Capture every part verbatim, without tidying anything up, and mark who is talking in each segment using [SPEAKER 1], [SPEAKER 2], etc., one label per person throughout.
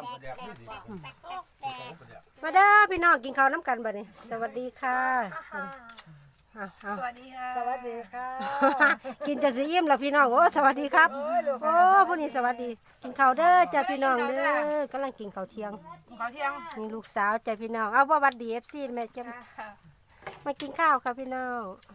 [SPEAKER 1] มาเด้อพี่น้องกินข้าวน้ำกันบัดนี้สวัสดีค่ะ
[SPEAKER 2] สวัสดีค่ะ
[SPEAKER 3] สวัสดีค่ะ
[SPEAKER 1] กินจะสิอิ่มแล้วพี่น้องโอ้สวัสดีครับโอ้ผู้นี้สวัสดีกินข้าวเด้อจ้าพี่น้องเด้อกำลังกินข้าวเที่ยง
[SPEAKER 2] ข้าวเที่ยง
[SPEAKER 1] นี่ลูกสาวจ้าพี่น้องเอาว่าวัดดีเอฟซีแม่จะมากินข้าวค่ะพี่น้อง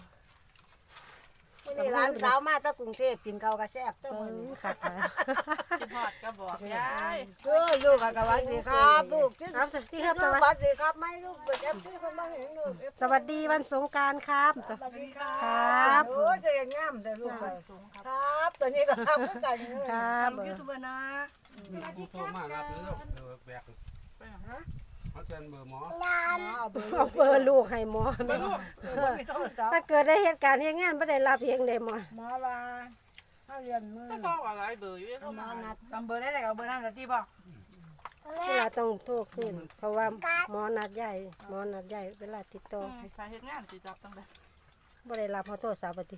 [SPEAKER 3] นี่ร้านสาวมาตะกรุงเทพกินข้าวกระแซบเต้า
[SPEAKER 1] เอ
[SPEAKER 3] มือ
[SPEAKER 1] อค่ะ
[SPEAKER 2] กินทอดก็บอกยาย
[SPEAKER 3] เออลูกสวัสดีครับลูกที่
[SPEAKER 1] ครับสวัสดีครับ
[SPEAKER 3] สวัสดีครับไม่ลูกเปิดแอปที่คนบ้านเห็นลูก
[SPEAKER 1] สวัสดีวันสงกรานต์ครับ
[SPEAKER 3] สวัสดีครั
[SPEAKER 1] ครับ
[SPEAKER 3] โอ้ยจะยังงามแต่ลูกครับตัวนี้ก็ครับคือกัน
[SPEAKER 1] ครับ
[SPEAKER 2] ยูทูบเบอร์นะ
[SPEAKER 4] มีผู้โทรมารับหรือเออแบกเขาเชิญเบอร์หมอ
[SPEAKER 3] เอาเบอร์
[SPEAKER 1] เอาเบอร์ลูกให้หมอแม่ถ้าเกิดได้เหตุการณ์เหตุงานไม่ได้รับเองเลยหมอ
[SPEAKER 3] หมอว่าเขาเรียนมือ
[SPEAKER 2] ก็บอกอะไรเบอร์อยู่ที่เขา
[SPEAKER 3] หม
[SPEAKER 2] มา
[SPEAKER 3] อนัด
[SPEAKER 2] จำเบอร์ได้เลยเอาเบอร์นั่นแต่ที่บอก
[SPEAKER 1] เวลาต้องโทรขึ้นเพราะว่าหมอนัดใหญ่หมอนัดใหญ่เวลาติดต่อ
[SPEAKER 2] สาเหตุงานติดจับตั้งแต่
[SPEAKER 1] ไม่ได้รับเขาโทรศัพท์ปฏิ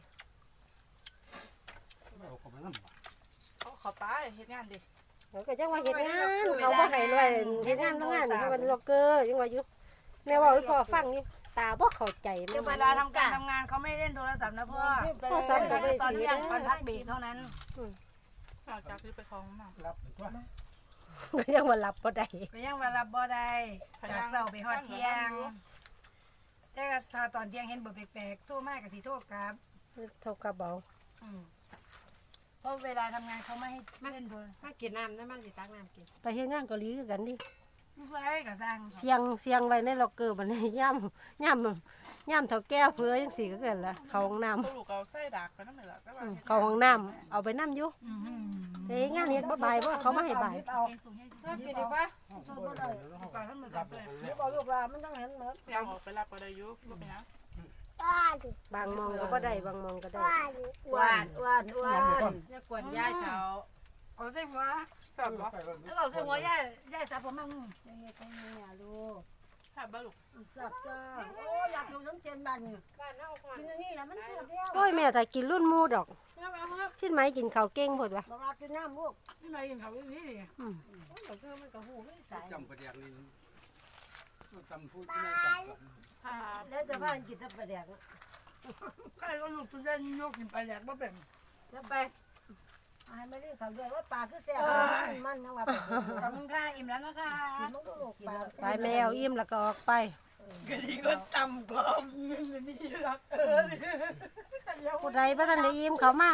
[SPEAKER 4] เอาเขาไปนั่ง
[SPEAKER 2] เขาขอไปเหตุงานดิ
[SPEAKER 1] เขาก็ยังว่าเหตุงานเขาบ่ให้รวยเหตุงานต้องงานเขาเป็นล็อกเกอร์ยังว่าอยู่แม่ว่าให้พ่อฟังอยู่ตาบ่เข้าใจแม่
[SPEAKER 2] เวลาทำการทำงานเขาไม่เล่นโทรศัพท์นะพ่อ
[SPEAKER 1] โทรศัพท์ก็ไม่
[SPEAKER 2] ตอน
[SPEAKER 1] ถือ
[SPEAKER 2] เที่ยงตอน
[SPEAKER 1] นะ
[SPEAKER 2] พักเบรกเท่านั้นจากที่ไปคลองมา
[SPEAKER 4] รับตัว
[SPEAKER 1] ก็ยังว่ารับบ่ได้
[SPEAKER 2] ก็ยังเวลาบ่ได้จากเสาไปฮอดเที่ยงแต่ถ้าตอนเที่ยงเห็นเบอร์แปลกๆโทรมากกับสีโทรกลับ
[SPEAKER 1] เท่ากับเบา
[SPEAKER 2] เพราะเวลาทำงานเขาไม่ให้เล่นโทรศัพท์
[SPEAKER 5] มากินน้ำได้มันสิตักน้ำกิน
[SPEAKER 1] ไปเฮ็ดงานเกาหลีคือกันดิ
[SPEAKER 2] ไม่ใช่กับสร้าง
[SPEAKER 1] เสียงเสียงไว้ในล็อกเกอร์บัดนี้ย่ำย่ำย่ำเท่าแก้วเพื่อจังซี่ก็เกิดละเข้าห้องน้ำ
[SPEAKER 2] ลูกเอาไส้ดักไปนั่นแหละ
[SPEAKER 1] อืมเข้าห้องน้ำเอาไปน้ำอยู่เฮ้ยงานเฮ็ดบ่บ่ายบ่เขามาให้บ่าย
[SPEAKER 3] เอา
[SPEAKER 5] ถ้ากินดีป่ะ
[SPEAKER 2] ปลาท่านมือกับเลย
[SPEAKER 3] นี่บอกลูกว่ามันต้องเห็นเหมือน
[SPEAKER 2] ยังออกไปรับก็ได้ยุบไม่เป็นไร
[SPEAKER 1] บางมองก็บ่ได้บางมองก็ได้
[SPEAKER 3] อ้วนอ้วนอ้วน
[SPEAKER 5] อย่ากวนยายเถา
[SPEAKER 2] เอาเส้นหัวสับเหรอแล้วเอาเส้นหัวย่าย่าสับผมมั่ง
[SPEAKER 3] นี่ไงตรงนี้อ่ะลูก
[SPEAKER 2] สับบ้าลูก
[SPEAKER 3] สับจ้าโอ้อยากดูน้ำเจนบัน
[SPEAKER 5] บ้านเฮาก่อน
[SPEAKER 3] กินอันนี้แหละมันเสียบเดียว
[SPEAKER 1] โอ้ยแม่ถ้ากินรุ่นหมูดอก
[SPEAKER 5] เอาเอาครับ
[SPEAKER 1] ชิ้นไหมกินข้าวเก่งพุ่นวะ
[SPEAKER 3] บอกว่ากินน้ำลูก
[SPEAKER 2] นี่มากินเขาที่นี่ดิ
[SPEAKER 1] อืม
[SPEAKER 5] ก็คือมันก็หูไม่ใส่
[SPEAKER 4] จำประเดี๋ยวนี้จำพูดไม่จำ
[SPEAKER 2] อ่า
[SPEAKER 5] แล้วจะพากันกินแต่ปลาแดก
[SPEAKER 2] ใครก็ลูกตุ้นเส้นยกกินไปแหลกบ่เป็น
[SPEAKER 5] แล้วไป
[SPEAKER 3] ให้ไม่ได้เขาด้วยว่าปลาคือแซ่บมันยังว่า
[SPEAKER 2] ขอบคุณค่ะอิ่มแล้วนะคะ
[SPEAKER 3] มันก็ลูกปลา
[SPEAKER 1] ไปแมวอิ่มแล้วก็ออกไป
[SPEAKER 2] กะดีก็ตำกรอบนี่รักเออ
[SPEAKER 1] ผู้ใดบ่ทันได้อิ่มเขามาร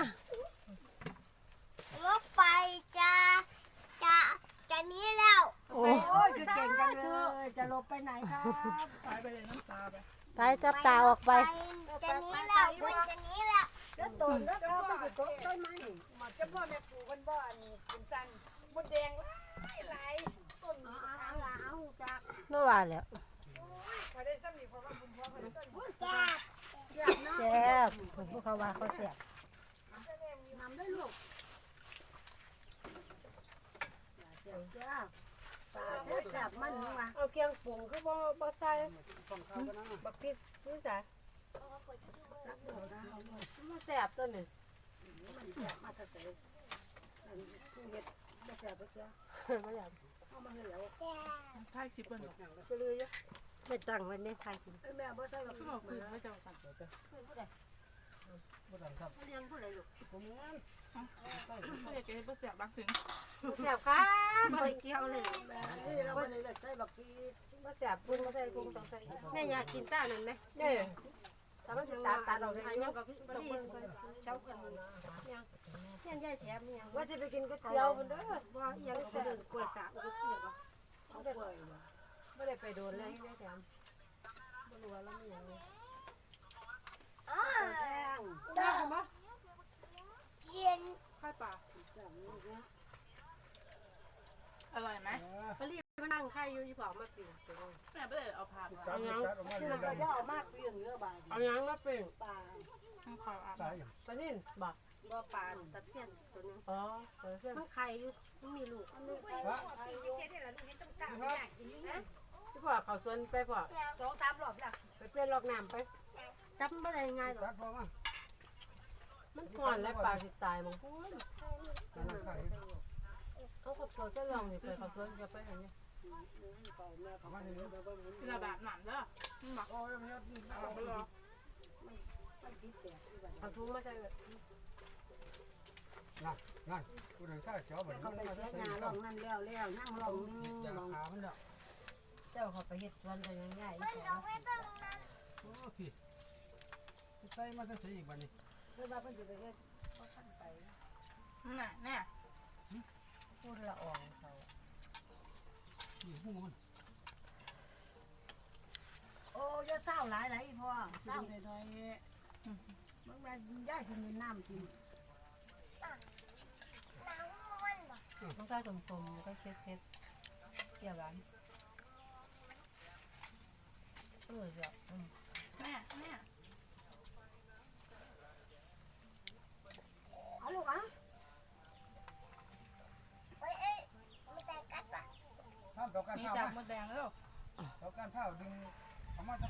[SPEAKER 6] ถไฟจะจะจะหนี้แล้ว
[SPEAKER 1] โอ้
[SPEAKER 3] โอ้ยคือเก่งจังเลยจะลบไปไหนครับ
[SPEAKER 2] ตายไปเลยน้ำตาไป
[SPEAKER 1] ไปจับตาออกไป
[SPEAKER 6] จะหนี้แล้วบนจะหนี้แล้ว
[SPEAKER 3] แล้วต้นแล้วก็มันก็ต้นไม้
[SPEAKER 5] หมดจะพ่อแม่ปลูกกันบ่อันนี้กินสั้นมดแดงหลายหลายต้น
[SPEAKER 3] เอาเอาเอาจาก
[SPEAKER 1] เมื่อวานแล้ว
[SPEAKER 5] พอได้ซ้ำนี่เพราะว่าคุณพ่อเขาได้ต้น
[SPEAKER 3] อยากน้
[SPEAKER 1] แซ่บพวกเขาว่าเขาแซ่บ
[SPEAKER 3] ำน้ำได้ลูกจ้าปลาแซ่บมันนี่ว่า
[SPEAKER 5] เอาเคียงปรุงคือบ่บ่ใส่บักพริกนี่ใส่มันแซ่บต้นนี่
[SPEAKER 3] มันแซ่บมาแต่ใส่เฮ็ดบ่แซ่บบ่เจ้า
[SPEAKER 1] บ่อยาก
[SPEAKER 3] เอามาให้แล้ว
[SPEAKER 2] ท้ายคลิปเปิ้ลหรอ
[SPEAKER 5] ซื้ออยู่
[SPEAKER 1] ไปตั้งไว้ในไทยกิน
[SPEAKER 3] แม่บ่ใส่หรอก
[SPEAKER 2] ก็คือไม่เจ้ากัน
[SPEAKER 3] เลี้ยงผู้ใดลูก
[SPEAKER 2] ไม่อยากจะให้เปิ้ลเสียบางสิ่ง
[SPEAKER 5] แซ่บครับบ่เกี่ยวเลย
[SPEAKER 3] นี่เราบ่ได้ใส่บักกี
[SPEAKER 5] บ่แซ่บปรุงบ่ใส่ปรุงต้องใส่
[SPEAKER 1] แม่อยากกินต้านั่นไหม
[SPEAKER 5] เด้อถ้ามันสิตาตาเราได้ยังก็บ่ดี
[SPEAKER 1] เช้ากันยังยังยายแถมยัง
[SPEAKER 5] ว่าสิไปกินก๋วยเตี๋ยวพุ่นเด้อ
[SPEAKER 1] ว่ายังสิเดินกล้วยสาก็กินบ่
[SPEAKER 5] บ่ได้บ่ได้ไปโดนเลยได้แถม
[SPEAKER 1] บ่รู้ว่าแล้วมีหยัง
[SPEAKER 6] อ๋อ
[SPEAKER 5] ได้บ่
[SPEAKER 6] เย็น
[SPEAKER 5] ค่อยป่า
[SPEAKER 2] อร่อยไหม
[SPEAKER 5] ก็รีบมานั่งไข่อยู่ที่เผามาปิ้ง
[SPEAKER 2] แม่ไม่ได้เอาผัก
[SPEAKER 4] สามสิบแปดออกมา
[SPEAKER 3] ที่
[SPEAKER 4] เล
[SPEAKER 3] เรา
[SPEAKER 4] ย
[SPEAKER 3] จะเอามากเลี้ยงเนื้อบาด
[SPEAKER 5] เอาหยังมาปิ้ง
[SPEAKER 3] ปลา
[SPEAKER 2] ต้องขออ่ะ
[SPEAKER 4] ตายอย่าง
[SPEAKER 5] ปลานิ่นบ่
[SPEAKER 1] บ่ปานตะเพียนตัวนึง
[SPEAKER 5] อ๋อเออเส้น
[SPEAKER 1] มันไข่อยู่มันมีลูก
[SPEAKER 5] ที่พ่อเขาสวนไปพ่อ
[SPEAKER 3] สองสามรอบแล้ว
[SPEAKER 5] ไปเปลี่ยนลอกน้ำไป
[SPEAKER 1] จับบ่ได้ง่ายหรอก
[SPEAKER 4] ตัดพอมา
[SPEAKER 5] มันก่อนแล้วปลาสิตายมังพูน
[SPEAKER 4] นั่งไข่
[SPEAKER 1] เอาขับสวนจะลองนี่ไปขับสวนจะไปอย่างนี้
[SPEAKER 3] เขาแม่
[SPEAKER 4] เอา
[SPEAKER 3] เขา
[SPEAKER 4] มา
[SPEAKER 3] ไม่
[SPEAKER 4] นี่
[SPEAKER 3] รู้
[SPEAKER 4] เด้อ
[SPEAKER 3] ว่ามัน
[SPEAKER 5] ทีละแบบหนำเด้อมันหมัก
[SPEAKER 3] โอ้ยมันยอดดี
[SPEAKER 5] เอาไปรอ
[SPEAKER 3] มันติดแตกที่บ้าน
[SPEAKER 1] เอาถุงมาใส่
[SPEAKER 4] นั่นนั่นผู้ใดถ้าเจ้าบัด
[SPEAKER 3] เขา
[SPEAKER 4] นี้
[SPEAKER 3] ไป
[SPEAKER 4] มา
[SPEAKER 3] เสี
[SPEAKER 4] จะ
[SPEAKER 3] ย
[SPEAKER 4] ใส่
[SPEAKER 3] งานลองนั่นแล้วแล้วนั่งลองนึง
[SPEAKER 4] ยา
[SPEAKER 3] ลอง
[SPEAKER 4] ขามันแล้ว
[SPEAKER 1] เจ้าเขาไปเฮ็ดสวนกันง่ายๆอีก
[SPEAKER 6] มัน
[SPEAKER 1] แล้
[SPEAKER 6] เอา
[SPEAKER 1] ว
[SPEAKER 6] ไว้ตรงนั้น
[SPEAKER 4] โอ้พี่ใส่มาจะใส่อีกบัดนี้
[SPEAKER 3] เพื่อว่าเพิ่นจะไปเฮ็ดเขาขั้นไป
[SPEAKER 5] น่ะเนี่ย
[SPEAKER 1] พูดละอ่องเขา
[SPEAKER 4] นี่หูมัน
[SPEAKER 3] โอ้ยเศร้าหลายหลายพ่อเศร้าหน่อยๆบางวันย่ากินน้ำกิน
[SPEAKER 6] หนังม้วนบ่
[SPEAKER 1] มันก็สมๆก็เค็ดๆเกี่ยวกันเออเดี๋ยวอืม
[SPEAKER 5] แม่แม่
[SPEAKER 3] เอาลูกอ่ะ
[SPEAKER 6] เอ้ยเอ้ยมีแต่กัดปะ
[SPEAKER 4] ห้ามต่อการ
[SPEAKER 5] นี่
[SPEAKER 4] เผา
[SPEAKER 5] จับมดแดงแล้ว
[SPEAKER 4] ต่อการเผาดึงเอามาจะ